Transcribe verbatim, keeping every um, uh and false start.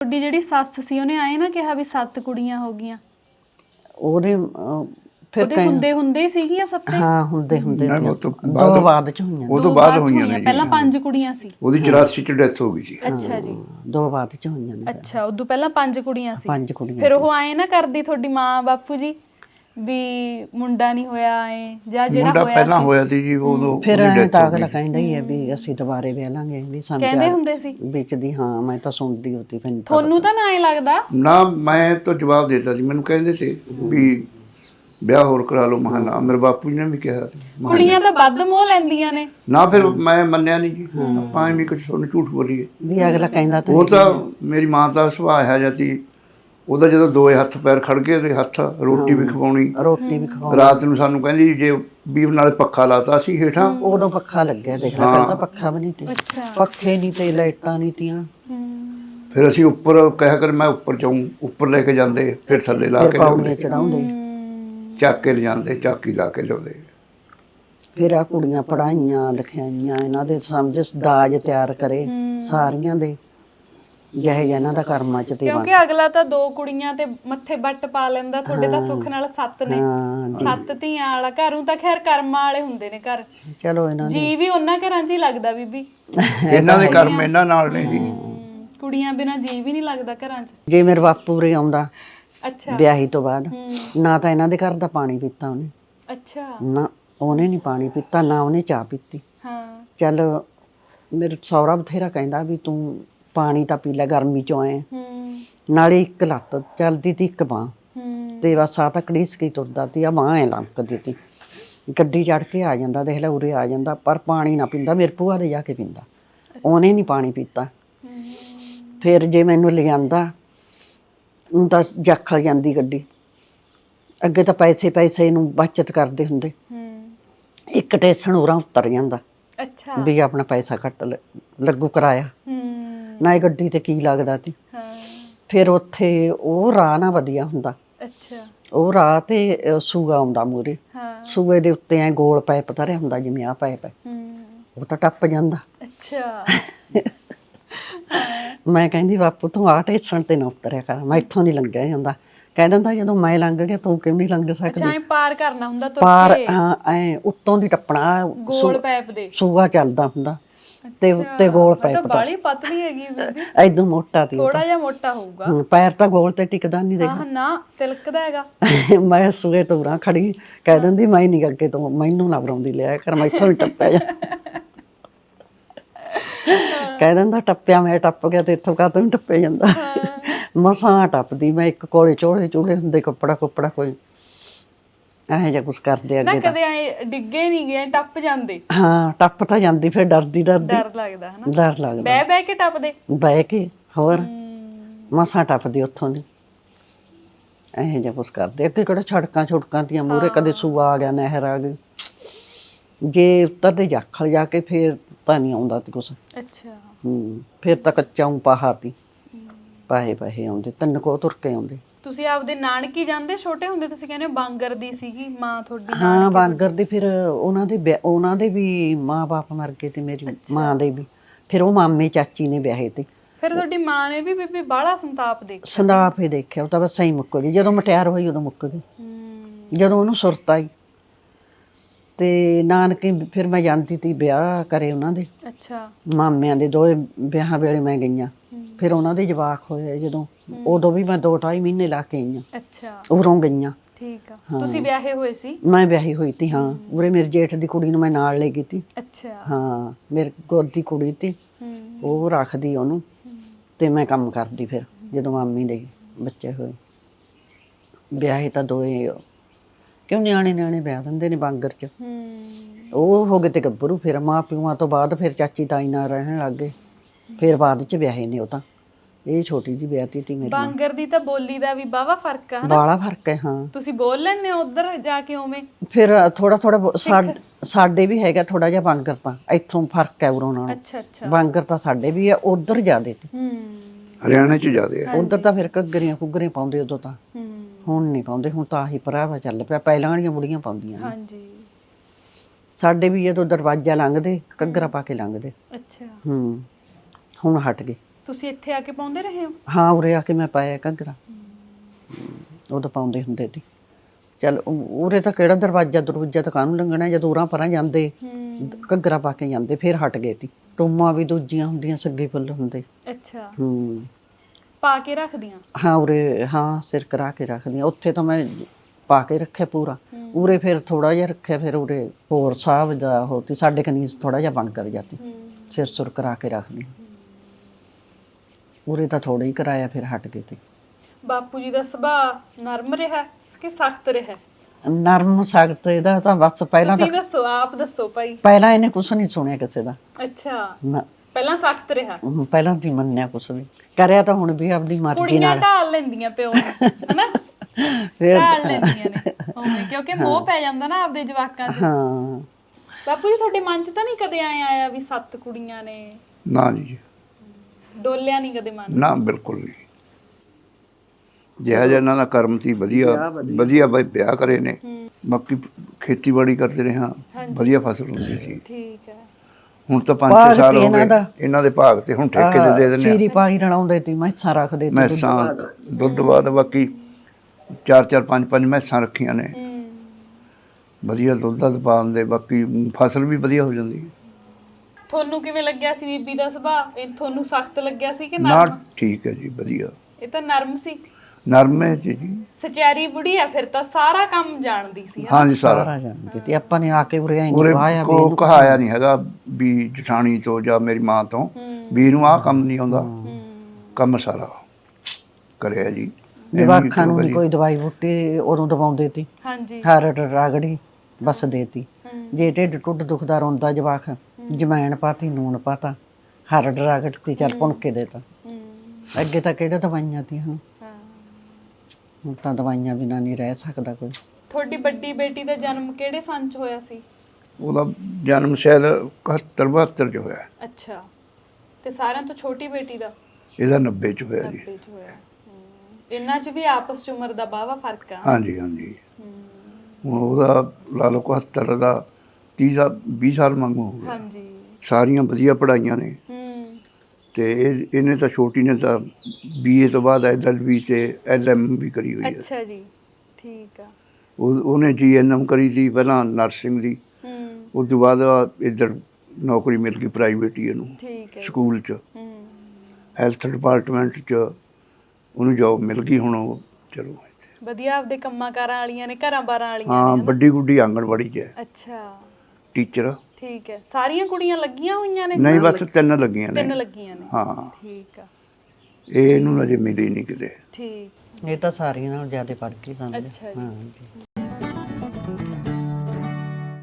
ਤੁਹਾਡੀ ਜਿਹੜੀ ਸੱਸ ਸੀ ਉਹਨੇ ਆਏ ਨਾ ਕਿਹਾ ਵੀ ਸੱਤ ਕੁੜੀਆਂ ਹੋ ਗਈਆਂ, ਉਹਦੇ ਅਹ, ਫਿਰ ਉਹਦੇ ਹੁੰਦੇ ਹੁੰਦੇ ਹੀ ਸੀਗੀਆਂ ਸਭ ਤੇ? ਹਾਂ ਹੁੰਦੇ ਹੁੰਦੇ ਨਾ, ਤੀਆਂ। ਉਹ ਤੋਂ ਦੋ ਬਾਅਦ- ਬਾਅਦ ਚ ਹੋਈਆਂ ਨੇ। ਉਹ ਤੋਂ ਦੋ ਬਾਅਦ ਚ ਹੋਈਆਂ ਨੇ ਜੀ। ਪਹਿਲਾਂ ਪੰਜ ਕੁੜੀਆਂ ਸੀ? ਉਹਦੀ ਚੁਰਾਸੀ ਚ ਡੈਥ ਹੋ ਗਈ ਸੀ। ਅੱਛਾ ਜੀ, ਦੋ ਬਾਅਦ ਚ ਹੋਈਆਂ ਨੇ। ਅੱਛਾ ਉਦੋਂ ਪਹਿਲਾਂ ਪੰਜ ਕੁੜੀਆਂ ਸੀ। ਪੰਜ ਕੁੜੀਆਂ। ਫਿਰ ਉਹ ਆਏ ਨਾ ਕਰਦੀ ਤੁਹਾਡੀ ਮਾਂ ਬਾਪੂ ਜੀ ਵੀ ਮੁੰਡਾ ਨਹੀਂ ਹੋਇਆ ਐ, ਜਾਂ ਜਿਹੜਾ ਮੁੰਡਾ ਹੋਇਆ ਪਹਿਲਾਂ ਸੀ ਹੋਇਆ ਸੀ ਜੀ, ਉਦੋਂ ਫਿਰ ਉਹਦੀ ਐਂ ਡੈਥ ਤਾਂ ਹੋ ਅਗਲਾ ਗਈ। ਕਹਿੰਦਾ ਹੀ ਹੈ ਵੀ ਅਸੀਂ ਦੁਬਾਰੇ ਵਿਆਹ ਲਾਂਗੇ, ਵੀ ਸਮਝਾ ਕਹਿੰਦੇ ਹੁੰਦੇ ਸੀ ਵਿੱਚ ਦੀ। ਹਾਂ ਮੈਂ ਤਾਂ ਸੁਣਦੀ ਹੁੰਦੀ ਪੈਂਦਾ। ਤੁਹਾਨੂੰ ਤਾਂ ਨਾ ਐ ਲੱਗਦਾ? ਨਾ ਮੈਂ ਤਾਂ ਜਵਾਬ ਦੇਤਾ ਸੀ, ਮੈਨੂੰ ਕਹਿੰਦੇ ਤੇ ਵੀ ਵਿਆਹ ਹੋਰ ਕਰਾ ਲਓ। ਮਹਾਨਾ ਮੇਰੇ ਬਾਪੂ ਜੀ ਨੇ ਵੀ ਕਿਹਾ ਸੀ। ਮੈਂ ਕੁੜੀਆਂ ਤਾਂ ਵੱਧ ਮੋਹ ਲੈਂਦੀਆਂ ਨੇ। ਨਾ ਫਿਰ ਮੈਂ ਮੰਨਿਆ ਨਹੀਂ ਜੀ, ਆਪਾਂ ਐਵੇਂ ਕੁਝ ਤੁਹਾਨੂੰ ਝੂਠ ਬੋਲੀਏ। ਵੀ ਅਗਲਾ ਕਹਿੰਦਾ ਤਾਂ ਉਹ ਤਾਂ ਮੇਰੀ ਮਾਂ ਦਾ ਸੁਭਾਅ ਹੈ ਜਾਂਦੀ, ਉਹਦਾ ਜਦੋਂ ਦੋਏ ਹੱਥ ਪੈਰ ਖੜ ਗਏ ਉਹਦੇ ਹੱਥ, ਰੋਟੀ ਵੀ ਖਵਾਉਣੀ, ਰੋਟੀ ਵੀ ਖਾਓ। ਰਾਤ ਨੂੰ ਸਾਨੂੰ ਕਹਿੰਦੀ ਜੇ ਵੀ ਨਾਲੇ ਪੱਖਾ ਲਾਤਾ ਸੀ ਹੇਠਾਂ। ਉਦੋਂ ਪੱਖਾ ਲੱਗਿਆ ਦੇਖ ਲੈ, ਪਹਿਲਾਂ ਪੱਖਾ ਵੀ ਨਹੀਂ ਤੇ, ਅੱਛਾ ਪੱਖੇ ਨਹੀਂ ਤੇ, ਲਾਈਟਾਂ ਨਹੀਂ ਤੀਆਂ। ਫਿਰ ਅਸੀਂ ਉੱਪਰ ਕਹਿਆ ਕਰ ਮੈਂ ਉੱਪਰ ਜਾਊਂ, ਉੱਪਰ ਲੈ ਕੇ ਜਾਂਦੇ, ਫਿਰ ਥੱਲੇ ਲਾ ਫਿਰ ਕੇ ਪੌੜੀਆਂ ਲਿਆਉਂਦੇ, ਚੜਾਉਂਦੇ। ਚੱਕ ਕੇ ਲਿਜਾਂਦੇ, ਚਾਕੀ ਲਾ ਕੇ ਲਿਆਉਂਦੇ। ਫਿਰ ਆ ਕੁੜੀਆਂ ਪੜਾਈਆਂ ਲਿਖਾਈਆਂ, ਇਹਨਾਂ ਦੇ ਸਮਝ ਦਾਜ ਤਿਆਰ ਕਰੇ ਸਾਰੀਆਂ ਦੇ, ਜਿਹੇ ਜਿਹੇ ਇਹਨਾਂ ਦਾ ਕਰਮਾਂ ਚ ਤੇ ਕਿਉਂਕਿ ਅਗਲਾ ਤਾਂ ਦੋ ਕੁੜੀਆਂ ਤੇ ਮੱਥੇ ਬੱਟ ਪਾ ਲੈਂਦਾ, ਤੁਹਾਡੇ ਤਾਂ ਸੁੱਖ ਨਾਲ ਸੱਤ ਨੇ। ਹਾਂ ਸੱਤ ਧੀਆਂ ਵਾਲਾ ਘਰ ਨੂੰ ਤਾਂ ਖੈਰ ਕਰਮਾਂ ਵਾਲੇ ਹੁੰਦੇ ਨੇ ਘਰ। ਚਲੋ ਇਹਨਾਂ ਜੀ ਵੀ ਉਹਨਾਂ ਘਰਾਂ 'ਚ ਹੀ ਲੱਗਦਾ ਬੀਬੀ। ਇਹਨਾਂ ਦੇ ਕਰਮ ਇਹਨਾਂ ਨਾਲ ਨੇ ਜੀ। ਕੁੜੀਆਂ ਬਿਨਾਂ ਜੀ ਵੀ ਨਹੀਂ ਲੱਗਦਾ ਘਰਾਂ 'ਚ। ਜੇ ਮੇਰੇ ਬਾਪੂ ਉਰੇ ਆਉਂਦਾ ਅੱਛਾ ਵਿਆਹੀ ਤੋਂ ਬਾਅਦ, ਨਾ ਤਾਂ ਇਹਨਾਂ ਦੇ ਘਰ ਦਾ ਪਾਣੀ ਪੀਤਾ ਉਹਨੇ, ਅੱਛਾ ਨਾ ਉਹਨੇ ਨਹੀਂ ਪਾਣੀ ਪੀਤਾ, ਨਾ ਉਹਨੇ ਚਾਹ ਪੀਤੀ। ਹਾਂ ਚੱਲ ਮੇਰੇ ਸਹੁਰਾ ਬਥੇਰਾ ਕਹਿੰਦਾ ਵੀ ਤੂੰ ਪਾਣੀ ਤਾਂ ਪੀ ਲੈ, ਗਰਮੀ ਚੋਂ ਆਏ। ਹੂੰ ਨਾਲੇ ਇੱਕ ਲੱਤ ਚੱਲਦੀ ਤੀ, ਇੱਕ ਬਾਂਹ ਹੂੰ ਤੇ ਬਸ ਆ ਤਾਂ ਕੜੀਸ ਕੀ ਤੁਰਦਾ ਤੀ, ਆ ਬਾਂਹ ਐ ਲੰਕਦੀ ਤੀ। ਗੱਡੀ ਚੜ੍ਹ ਕੇ ਆ ਜਾਂਦਾ, ਦੇਖ ਲੈ ਉਰੇ ਆ ਜਾਂਦਾ, ਪਰ ਪਾਣੀ ਨਾ ਪੀਂਦਾ। ਮੇਰੇ ਭੂਆ ਦੇ ਜਾ ਕੇ ਪੀਂਦਾ, ਉਹਨੇ ਨਹੀਂ ਪਾਣੀ ਪੀਤਾ। ਫਿਰ ਜੇ ਮੈਨੂੰ ਲਿਜਾਂਦਾ ਉਹ ਤਾਂ ਜਾਖਲ ਜਾਂਦੀ ਗੱਡੀ। ਅੱਗੇ ਤਾਂ ਪੈਸੇ ਪੈਸੇ ਨੂੰ ਬਚਤ ਕਰਦੇ ਹੁੰਦੇ, ਹੂੰ ਇੱਕ ਟੇਸ਼ਨ ਉਰਾਂ ਉਤਰ ਜਾਂਦਾ ਅੱਛਾ ਵੀ ਆਪਣਾ ਪੈਸਾ ਘੱਟ ਲ- ਲੱਗੂ ਕਰਾਇਆ, ਹੂੰ ਨਾ ਇਹ ਗੱਡੀ ਤੇ ਕੀ ਲੱਗਦਾ ਤੀ। ਹਾਂ ਫਿਰ ਉੱਥੇ ਉਹ ਰਾਹ ਨਾ ਵਧੀਆ ਹੁੰਦਾ, ਅੱਛਾ ਉਹ ਰਾਹ ਤੇ ਅਹ, ਸੂਆ ਆਉਂਦਾ ਮੂਹਰੇ, ਹਾਂ ਸੂਏ ਦੇ ਉੱਤੇ ਐ ਗੋਲ ਪਾਈਪ ਧਰਿਆ ਹੁੰਦਾ ਜਿਵੇਂ ਆਹ ਪਾਈਪ ਹੈ, ਹੂੰ ਉਹ ਤਾਂ ਟੱਪ ਜਾਂਦਾ। ਅੱਛਾ ਮੈਂ ਕਹਿੰਦੀ ਬਾਪੂ ਤੂੰ ਆਹ ਟੇਸ਼ਨ ਤੇ ਨਾ ਉਤਰਿਆ ਕਰ, ਮੈਂ ਇੱਥੋਂ ਨਹੀਂ ਲੰਘਿਆ ਜਾਂਦਾ। ਕਹਿ ਦਿੰਦਾ ਜਦੋਂ ਮੈਂ ਲੰਘ ਗਿਆ ਤੂੰ ਕਿਉਂ ਨਹੀਂ ਲੰਘ ਅੱਛਾ ਸਕਦੀ। ਐ ਪਾਰ ਕਰਨਾ ਹੁੰਦਾ ਤੁਰ ਪਾਰ ਕੇ ਹਾਂ ਐ ਉੱਤੋਂ ਦੀ ਟੱਪਣਾ, ਗੋਲ ਪੈਪ ਦੇ। ਸੂਆ ਚੱਲਦਾ ਹੁੰਦਾ ਤੇ ਉੱਤੇ ਗੋਲ ਤਾਂ ਪਾਈਪ ਦਾ। ਬਾਲੀ ਪਤਲੀ ਹੈਗੀ ਬੀਬੀ, ਐਦੋਂ ਮੋਟਾ ਤੀ ਉਹ ਥੋੜਾ ਜਿਹਾ ਮੋਟਾ ਹੋਊਗਾ। ਤਾਂ। ਪੈਰ ਤਾਂ ਗੋਲ ਤੇ ਟਿਕਦਾ ਨਹੀਂ ਆਹ ਨਾ ਤਿਲਕਦਾ ਹੈਗਾ। ਦੇਖ। ਮੈਂ ਸੂਏ ਤੋਂ ਉਰਾਂ ਖੜੀ ਕਹਿ ਦਿੰਦੀ ਮੈਂ ਨਹੀਂ ਅੱਗੇ ਤੋਂ, ਮੈਨੂੰ ਨਾ ਬਰਾਉਂਦੀ ਲਿਆ ਕਰ, ਮੈਂ ਇੱਥੋਂ ਹੀ ਟੱਪਿਆ ਜਾ। ਕਹਿ ਦਿੰਦਾ ਟੱਪਿਆ, ਮੈਂ ਟੱਪ ਗਿਆ ਤੇ ਇੱਥੋਂ ਕਾਹਤੋਂ ਨਹੀਂ ਟੱਪਿਆ ਜਾਂਦਾ। ਮਸਾਂ ਟੱਪਦੀ ਮੈਂ, ਇੱਕ ਕੋਲੇ ਚੋਲੇ ਚੂਲੇ ਹੁੰਦੇ, ਕੱਪੜਾ ਕੁੱਪੜਾ ਕੋਈ ਇਹੋ ਜਿਹਾ ਕੁਛ ਕਰਦੇ ਨਾ ਅੱਗੇ ਤਾਂ। ਕਦੇ ਐ ਡਿੱਗੇ ਨਹੀਂ ਗਏ, ਟੱਪ ਜਾਂਦੇ? ਹਾਂ ਟੱਪ ਤਾਂ ਜਾਂਦੀ, ਫਿਰ ਡਰਦੀ ਡਰਦੀ ਡਰ ਲੱਗਦਾ ਹਨਾ, ਡਰ ਲੱਗਦਾ। ਬਹਿ ਬਹਿ ਕੇ ਟੱਪਦੇ? ਬਹਿ ਕੇ ਹੋਰ ਹੂੰ, ਮਸਾਂ ਟੱਪਦੀ ਉੱਥੋਂ ਦੀ, ਇਹੋ ਜਿਹਾ ਕੁਛ ਕਰਦੇ। ਅੱਗੇ ਕਿਹੜਾ ਸੜਕਾਂ ਛੁੜਕਾਂ ਤੀਆਂ ਮੂਹਰੇ, ਕਦੇ ਸੂਆ ਆ ਗਿਆ, ਨਹਿਰ ਆ ਗਈ। ਜੇ ਉੱਤਰਦੇ ਜਾਖਲ ਜਾ ਕੇ ਫਿਰ ਤਾਂ ਨਹੀਂ ਆਉਂਦਾ ਤੇ ਕੁਛ। ਅੱਛਾ ਹੂੰ ਫਿਰ ਤਾਂ ਕੱਚਾ ਉਂ ਪਾਹਾ ਤੀ, ਪਾਹੇ ਪਾਹੇ ਆਉਂਦੇ, ਤਿੰਨ ਕੋ ਤੁਰ ਕੇ ਆਉਂਦੇ। ਤੁਸੀਂ ਆਪਦੇ ਨਾਨਕੀ ਜਾਂਦੇ ਛੋਟੇ ਹੁੰਦੇ? ਤੁਸੀਂ ਕਹਿੰਦੇ ਹੋ ਬਾਂਗਰ ਦੀ ਸੀਗੀ ਮਾਂ ਤੁਹਾਡੀ। ਹਾਂ ਬਾਂਗਰ ਦੀ, ਫਿਰ ਉਹਨਾਂ ਦੇ ਵਿਆਹ- ਉਹਨਾਂ ਦੇ ਵੀ ਮਾਂ ਬਾਪ ਮਰ ਗਏ ਤੇ ਮੇਰੀ ਮਾਂ ਦੇ ਵੀ, ਫਿਰ ਉਹ ਮਾਮੇ ਚਾਚੀ ਨੇ ਵਿਆਹੇ ਤੇ। ਫਿਰ ਤੁਹਾਡੀ ਮਾਂ ਨੇ ਵੀ ਬੀਬੀ ਬਾਹਲਾ ਸੰਤਾਪ ਦੇ? ਸੰਦਾਪ ਹੀ ਦੇਖਿਆ, ਉਹ ਤਾਂ ਬਸ ਸਹੀ ਮੁੱਕ ਗਈ। ਜਦੋਂ ਮਟਿਆਰ ਹੋਈ ਉਦੋਂ ਮੁੱਕ ਗਈ, ਹੂੰ ਜਦੋਂ ਉਹਨੂੰ ਸੁਰਤ ਆਈ। ਤੇ ਨਾਨਕੇ ਫਿਰ ਮੈਂ ਜਾਂਦੀ ਤੀ ਵਿਆਹ ਕਰੇ ਉਹਨਾਂ ਦੇ, ਅੱਛਾ ਮਾਮਿਆਂ ਦੇ ਦੋ ਵਿਆਹਾਂ ਵੇਲੇ ਮੈਂ ਗਈਆਂ। ਫਿਰ ਉਹਨਾਂ ਦੇ ਜਵਾਕ ਹੋਏ ਜਦੋਂ, ਉਦੋਂ ਵੀ ਮੈਂ ਦੋ ਢਾਈ ਮਹੀਨੇ ਲਾ ਕੇ ਆਈ ਹਾਂ। ਅੱਛਾ ਉਰੋਂ ਗਈਆਂ। ਠੀਕ ਆ, ਤੁਸੀਂ ਵਿਆਹੇ ਹੋਏ ਸੀ? ਮੈਂ ਵਿਆਹੀ ਹੋਈ ਤੀ ਹਾਂ, ਉਰੇ ਮੇਰੇ ਜੇਠ ਦੀ ਕੁੜੀ ਨੂੰ ਮੈਂ ਨਾਲ ਲੈ ਗਈ ਤੀ। ਅੱਛਾ ਹਾਂ ਮੇਰੇ ਗੋਦ ਦੀ ਕੁੜੀ ਤੀ, ਹੂੰ ਉਹ ਰੱਖਦੀ ਉਹਨੂੰ ਤੇ ਮੈਂ ਕੰਮ ਕਰਦੀ। ਫਿਰ ਜਦੋਂ ਮਾਮੀ ਦੇ ਬੱਚੇ ਹੋਏ, ਵਿਆਹੇ ਤਾਂ ਦੋਏ, ਕਿਉਂ ਨਿਆਣੇ ਨਿਆਣੇ ਵਿਆਹ ਦਿੰਦੇ ਨੇ ਬਾਂਗਰ 'ਚ। ਹੂੰ ਉਹ ਹੋ ਗਏ ਤੇ ਗੱਭਰੂ, ਫਿਰ ਮਾਂ ਪਿਓਾਂ ਤੋਂ ਬਾਅਦ ਫਿਰ ਚਾਚੀ ਤਾਈ ਨਾਲ ਰਹਿਣ ਲੱਗ ਗਏ, ਫਿਰ ਬਾਅਦ 'ਚ ਵਿਆਹੇ ਨੇ ਉਹ ਤਾਂ। ਇਹ ਛੋਟੀ ਜਿਹੀ ਵਿਆਹਤੀ ਤੀ ਮੇਰੀ। ਬਾਂਗਰ ਦੀ ਤਾਂ ਬੋਲੀ ਦਾ ਵੀ ਬਾਵਾ ਫਰਕ ਆ ਹਨਾ? ਬਾਲਾ ਫਰਕ ਹੈ ਹਾਂ। ਤੁਸੀਂ ਬੋਲ ਲੈਂਦੇ ਹੋ ਉਧਰ ਜਾ ਕੇ ਉਵੇਂ? ਫਿਰ ਥੋੜਾ ਥੋੜਾ ਸਾਡੇ ਵੀ ਹੈਗਾ ਥੋੜਾ ਜਿਹਾ ਬਾਂਗਰ, ਤਾਂ ਇੱਥੋਂ ਫਰਕ ਹੈ ਉਰੋਂ ਨਾਲੋਂ। ਅੱਛਾ ਅੱਛਾ ਬਾਂਗਰ ਤਾਂ ਸਾਡੇ ਵੀ ਹੈ, ਉਧਰ ਜ਼ਿਆਦੇ ਤੇ। ਹੂੰ ਹਰਿਆਣੇ ਚ ਜ਼ਿਆਦੇ ਆ। ਉਧਰ ਤਾਂ ਫਿਰ ਘੱਗਰੀਆਂ ਕੁੱਗਰੀਆਂ ਪਾਉਂਦੇ ਉਦੋਂ ਤਾਂ, ਹੂੰ ਹੁਣ ਨਹੀਂ ਪਾਉਂਦੇ। ਹੁਣ ਤਾਂ ਆਹੀ ਭਰਾਵਾ ਚੱਲ ਪਿਆ, ਪਹਿਲਾਂ ਵਾਲੀਆਂ ਬੁੜੀਆਂ ਪਾਉਂਦੀਆਂ ਨੇ। ਹਾਂਜੀ ਸਾਡੇ ਵੀ ਜਦੋਂ ਦਰਵਾਜ਼ਾ ਲੰਘਦੇ ਘੱਗਰਾ ਪਾ ਕੇ ਲੰਘਦੇ। ਅੱਛਾ ਹੂੰ ਹੁਣ ਹਟ ਗਏ। ਤੁਸੀਂ ਇੱਥੇ ਆ ਕੇ ਪਾਉਂਦੇ ਰਹੇ ਹੋ? ਹਾਂ ਉਰੇ ਆ ਕੇ ਮੈਂ ਪਾਇਆ ਘੱਗਰਾ, ਉਦੋਂ ਪਾਉਂਦੇ ਹੁੰਦੇ ਸੀ। ਚੱਲ ਉ- ਉਰੇ ਤਾਂ ਕਿਹੜਾ ਦਰਵਾਜ਼ਾ ਦਰਵਾਜ਼ਾ ਤਾਂ ਕਾਹਨੂੰ ਲੰਘਣਾ, ਜਦੋਂ ਉਰਾਂ ਪਰਾਂ ਜਾਂਦੇ ਘੱਗਰਾ ਪਾ ਕੇ ਜਾਂਦੇ, ਫਿਰ ਹਟ ਗਏ ਸੀ। ਟੂਮਾਂ ਵੀ ਦੂਜੀਆਂ ਹੁੰਦੀਆਂ, ਸੱਗੀ ਫੁੱਲ ਹੁੰਦੇ। ਅੱਛਾ, ਹੂੰ ਪਾ ਕੇ ਰੱਖਦੀਆਂ। ਹਾਂ ਉਰੇ ਹਾਂ ਸਿਰ ਕਰਾ ਕੇ ਰੱਖਦੀਆਂ। ਉੱਥੇ ਤਾਂ ਮੈਂ ਪਾ ਕੇ ਰੱਖਿਆ ਪੂਰਾ, ਉਰੇ ਫਿਰ ਥੋੜਾ ਜਿਹਾ ਰੱਖਿਆ। ਫਿਰ ਉਰੇ ਹੋਰ ਸਾਹਿਬ ਦਾ ਹੋਤੀ ਸਾਡੇ ਕਨੀ ਥੋੜਾ ਜਿਹਾ ਬੰਦ ਕਰ ਜਾਤੀ, ਸਿਰ ਸੁਰ ਕਰਾ ਕੇ ਰੱਖਦੀ। ਉਰੇ ਤਾਂ ਥੋੜਾ ਹੀ ਕਰਾਇਆ, ਫਿਰ ਹਟ ਗਏ ਤੇ। ਬਾਪੂ ਜੀ ਦਾ ਸੁਭਾਅ ਨਰਮ ਰਿਹਾ ਕਿ ਸਖਤ ਰਿਹਾ? ਨਰਮ ਸਖਤ ਇਹਦਾ ਤਾਂ ਬਸ ਪਹਿਲਾਂ ਤਾਂ ਤੁਸੀਂ ਦੱਸੋ, ਆਪ ਦੱਸੋ ਭਾਈ। ਪਹਿਲਾਂ ਇਹਨੇ ਕੁਛ ਨਹੀਂ ਸੁਣਿਆ ਕਿਸੇ ਦਾ ਅੱਛਾ, ਨਾ, ਪਹਿਲਾਂ ਸਖਤ ਰਿਹਾ। ਹਮ, ਪਹਿਲਾਂ ਨਹੀਂ ਮੰਨਿਆ ਕੁਛ ਵੀ, ਕਰਿਆ ਤਾਂ ਹੁਣ ਵੀ ਆਪਦੀ ਮਰਜ਼ੀ ਕੁੜੀਆਂ ਨਾਲ। ਢਾਲ ਲੈਂਦੀਆਂ ਪਿਓ ਨੂੰ, ਹਨਾ? ਫਿਰ ਢਾਲ ਲੈਂਦੀਆਂ ਨੇ ਉਵੇਂ, ਕਿਉਂਕਿ ਮੋਹ ਪੈ ਜਾਂਦਾ ਨਾ ਆਪਦੇ ਜਵਾਕਾਂ 'ਚ। ਹਾਂ ਬਾਪੂ ਜੀ ਤੁਹਾਡੇ ਮਨ 'ਚ ਤਾਂ ਨਹੀਂ ਕਦੇ ਆਇਆ ਆਇਆ ਵੀ ਸੱਤ ਕੁੜੀਆਂ ਨੇ? ਨਾ ਜੀ, ਡੋਲਿਆ ਨਹੀਂ ਕਦੇ ਮਨ? ਨਾ ਬਿਲਕੁਲ ਨਹੀਂ। ਜਿਹੜਾ ਜਿਹਾ ਇਹਨਾਂ ਦਾ ਕਰਮ ਸੀ, ਵਧੀਆ ਵਧੀਆ ਬਈ ਵਿਆਹ ਕਰੇ ਨੇ। ਬਾਕੀ ਖੇਤੀਬਾੜੀ ਕਰਦੇ ਰਹੇ ਹਾਂ, ਵਧੀਆ ਫਸਲ ਹੁੰਦੀ ਸੀ। ਠੀਕ ਹੈ। ਹੁਣ ਤਾਂ ਪੰਜ ਭਾਗ ਛੇ ਸਾਲ ਤੇ ਹੋ ਇਹਨਾਂ ਗਏ ਦਾ। ਇਹਨਾਂ ਦੇ ਭਾਗ ਤੇ, ਹੁਣ ਠੇਕੇ ਤੇ ਦੇ ਦਿੰਦੇ ਸੀਰੀ ਪਾਣੀ ਰਣਾਉਂਦੇ ਤੀ, ਮੈਸਾਂ ਰੱਖਦੇ ਤੀ। ਮੈਸਾਂ ਦੁੱਧ ਬਾਅਦ ਬਾਕੀ ਚਾਰ ਚਾਰ ਪੰਜ ਪੰਜ ਮੈਸਾਂ ਰੱਖੀਆਂ ਨੇ, ਹੂੰ, ਵਧੀਆ ਦੁੱਧ ਦੱਧ ਪਾਉਣ ਦੇ। ਬਾਕੀ ਫਸਲ ਵੀ ਵਧੀਆ ਹੋ ਜਾਂਦੀ ਹੈ। ਤੁਹਾਨੂੰ ਕਿਵੇਂ ਲੱਗਿਆ ਸੀ ਬੀਬੀ ਦਾ ਸੁਭਾਅ? ਇਹ ਤੁਹਾਨੂੰ ਸਖਤ ਲੱਗਿਆ ਸੀ ਕਿ ਨਾ ਨਰਮ? ਠੀਕ ਹੈ ਜੀ, ਵਧੀਆ ਇਹ ਤਾਂ ਨਰਮ ਸੀ। ਨਰਮ ਹੈ ਜੀ। ਸਚਿਆਰੀ ਬੁੜੀ ਆ, ਫਿਰ ਤਾਂ ਸਾਰਾ ਕੰਮ ਜਾਣਦੀ ਸੀ। ਹਾਂ ਜੀ, ਸਾਰਾ ਸਾਰਾ ਜਾਣਦੀ ਤੀ। ਆਪਾਂ ਨੇ ਆ ਕੇ ਉਰੇ ਆਈ ਉਰੇ ਨਹੀਂ ਵਾਇਆ ਵੀ ਕੋ ਇਹਨੂੰ। ਕਹਾਇਆ ਨਹੀਂ ਹੈਗਾ ਵੀ ਜਠਾਣੀ ਤੋਂ ਜਾਂ ਮੇਰੀ ਮਾਂ ਤੋਂ ਵੀ ਇਹਨੂੰ ਆਹ ਕੰਮ ਨਹੀਂ ਆਉਂਦਾ। ਕੰਮ ਸਾਰਾ ਕਰਿਆ ਜੀ। ਜਵਾਕਾਂ ਨੂੰ ਨੀ ਕੋਈ ਦਵਾਈ ਬੂਟੀ ਉਦੋਂ ਦਵਾਉਂਦੇ ਤੀ, ਹਾਂਜੀ। ਹਰ ਰਾਗੜੀ ਬਸ ਦੇਤੀ। ਜੇ ਢਿੱਡ ਟੁੱਟ ਦੁਖਦਾ ਰੋਂਦਾ ਜਵਾਕ, ਜਮੈਣ ਪਾਤੀ, ਨੂਣ ਪਾਤਾ, ਹਰ ਰਾਗੜ ਤੀ, ਚੱਲ ਭੁਣ ਕੇ ਦੇਤਾ। ਅੱਗੇ ਤਾਂ ਕਿਹੜੇ ਦਵਾਈਆਂ ਤੀਆਂ, ਹੁਣ ਹੁਣ ਤਾਂ ਦਵਾਈਆਂ ਬਿਨਾਂ ਨਹੀਂ ਰਹਿ ਸਕਦਾ ਕੋਈ। ਤੁਹਾਡੀ ਵੱਡੀ ਬੇਟੀ ਦਾ ਜਨਮ ਕਿਹੜੇ ਸੰਨ 'ਚ ਹੋਇਆ ਸੀ? ਉਹਦਾ ਜਨਮ ਸ਼ਾਇਦ ਇਕਹੱਤਰ ਬਹੱਤਰ ਚ ਹੋਇਆ। ਅੱਛਾ, ਤੇ ਸਾਰਿਆਂ ਤੋਂ ਛੋਟੀ ਬੇਟੀ ਦਾ? ਇਹਦਾ ਨੱਬੇ ਚ ਹੋਇਆ ਜੀ। ਨੱਬੇ 'ਚ ਹੋਇਆ। ਹੂੰ। ਇਹਨਾਂ 'ਚ ਵੀ ਆਪਸ 'ਚ ਉਮਰ ਦਾ ਬਾਵਾ ਫਰਕ ਆ। ਹਾਂਜੀ ਹਾਂਜੀ। ਹੂੰ। ਹੁਣ ਉਹਦਾ ਲਾ ਲਓ ਇਕਹੱਤਰ ਦਾ ਤੀਹ ਸਾਲ ਵੀਹ ਸਾਲ ਮੰਗੂ ਹੋ ਗਿਆ। ਹਾਂਜੀ। ਸਾਰੀਆਂ ਵਧੀਆ ਪੜ੍ਹਾਈਆਂ ਨੇ। ਹੂੰ। ਤੇ ਇਹ ਇਹਨੇ ਤਾਂ ਛੋਟੀ ਨੇ ਤਾਂ ਬੀਏ ਤੋਂ ਬਾਅਦ ਐਲ ਐਲ ਬੀ ਤੇ ਐਲ ਐਮ ਵੀ ਕਰੀ ਹੋਈ ਹੈ। ਅੱਛਾ ਜੀ, ਠੀਕ ਆ। ਉਹ ਉਹਨੇ ਜੀ ਐਨ ਐਮ ਕਰੀ ਸੀ ਪਹਿਲਾਂ, ਨਰਸਿੰਗ ਦੀ। ਹੂੰ। ਉਸ ਤੋਂ ਬਾਅਦ ਇੱਧਰ ਨੌਕਰੀ ਮਿਲ ਗਈ ਪ੍ਰਾਈਵੇਟ ਹੀ ਇਹਨੂੰ, ਠੀਕ ਹੈ। ਸਕੂਲ 'ਚ ਹੂੰ। ਹੈਲਥ ਡਿਪਾਰਟਮੈਂਟ 'ਚ ਉਹਨੂੰ ਜੋਬ ਮਿਲ ਗਈ। ਹੁਣ ਉਹ ਚਲੋ ਵਧੀਆ ਆਪਦੇ ਕੰਮਾਂ ਕਾਰਾਂ ਵਾਲੀਆਂ ਨੇ, ਘਰਾਂ ਬਾਰਾਂ ਵਾਲੀਆਂ ਹਾਂ, ਨੇ। ਵੱਡੀ ਗੁੱਡੀ ਆਂਗਣਵਾੜੀ 'ਚ ਹੈ, ਅੱਛਾ, ਟੀਚਰ। ਠੀਕ ਹੈ। ਸਾਰੀਆਂ ਕੁੜੀਆਂ ਲੱਗੀਆਂ ਹੋਈਆਂ ਨੇ? ਨਹੀਂ, ਬਸ ਤਿੰਨ ਲੱਗੀਆਂ ਨੇ। ਤਿੰਨ ਲੱਗੀਆਂ ਨੇ। ਹਾਂ, ਠੀਕ ਆ। ਇਹ ਇਹਨੂੰ ਅਜੇ ਮਿਲੀ ਨਹੀਂ ਕਿਤੇ। ਠੀਕ। ਇਹ ਤਾਂ ਸਾਰੀਆਂ ਨਾਲੋਂ ਜ਼ਿਆਦਾ ਪੜ੍ਹ ਕੇ ਜਾਂਦੇ। ਅੱਛਾ ਜੀ। ਹਾਂ ਜੀ।